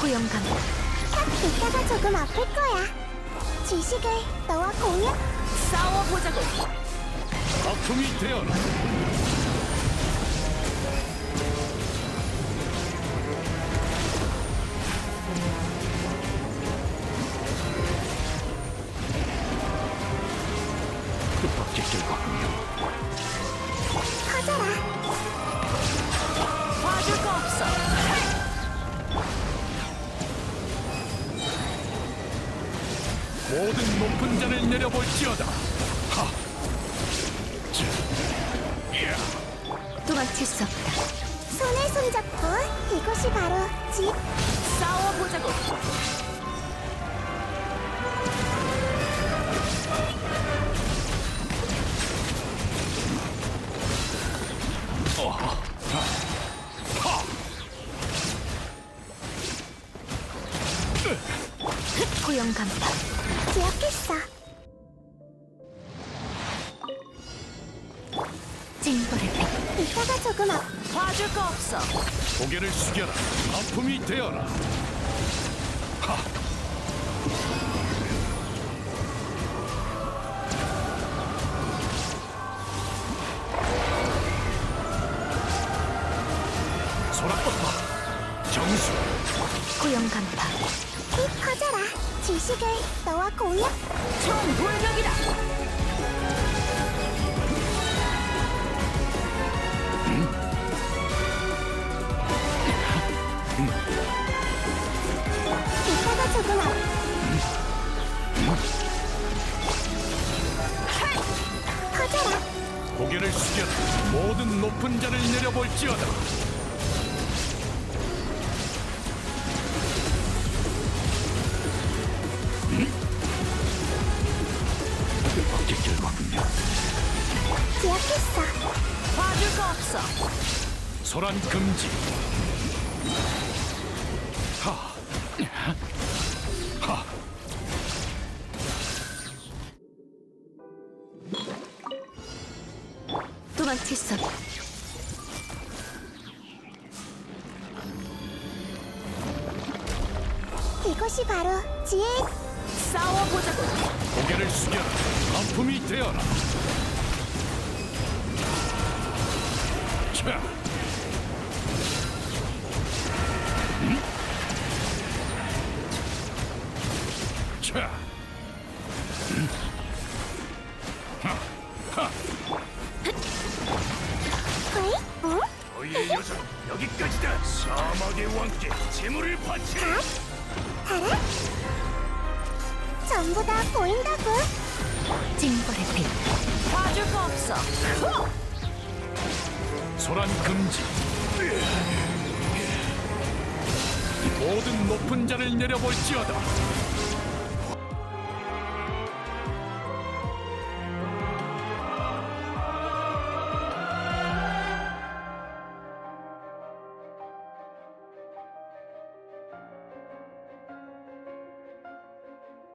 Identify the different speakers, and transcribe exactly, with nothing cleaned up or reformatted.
Speaker 1: 고용감.
Speaker 2: 딱 이따가 조금 아플 거야. 지식을 너와 공유.
Speaker 1: 싸워보자고.
Speaker 3: 아픔이 되어라. 뜻밖의 결과군요.
Speaker 2: 커져라.
Speaker 1: 봐줄 거 없어.
Speaker 3: 모든 높은 자를 내려볼지어다. 하. 자. 야.
Speaker 1: 도망칠 수 없다.
Speaker 2: 손을 손잡고 이곳이 바로 집.
Speaker 1: 싸워보자고.
Speaker 3: 어허. 하. 하.
Speaker 1: 고용감파.
Speaker 2: 기억했어.
Speaker 1: 징벌의 빛.
Speaker 2: 이따가 조금 아.
Speaker 1: 봐줄 거 없어.
Speaker 3: 고개를 숙여라. 아픔이 되어라. 하. 소라꽃봐. 정수.
Speaker 1: 고용감파.
Speaker 2: 빛 커져라. 지식을 너와 공유.
Speaker 1: 총불명이다.
Speaker 2: 이따가 조금 아. 커져라.
Speaker 3: 고개를 숙여라. 모든 높은 자를 내려볼지어다. 뜻밖의 결과군요.
Speaker 2: 기억했어.
Speaker 1: 봐줄 거 없어.
Speaker 3: 소란 금지. 하. 하.
Speaker 1: 도망칠 수 없다.
Speaker 2: 이곳이 바로 지혜.
Speaker 1: 싸워보자고.
Speaker 3: 고개를 숙여라. 아픔이 되어라. 자. 음? 자. 음? 하. 하.
Speaker 2: 어이? 어?
Speaker 3: 너희의 여정 여기까지다. 사막의 왕께 재물을 바치라.
Speaker 2: 알아? 전부 다 보인다고.
Speaker 1: 징벌의 빛. 봐줄 거 없어.
Speaker 3: 소란 금지. 모든 높은 자를 내려볼지어다.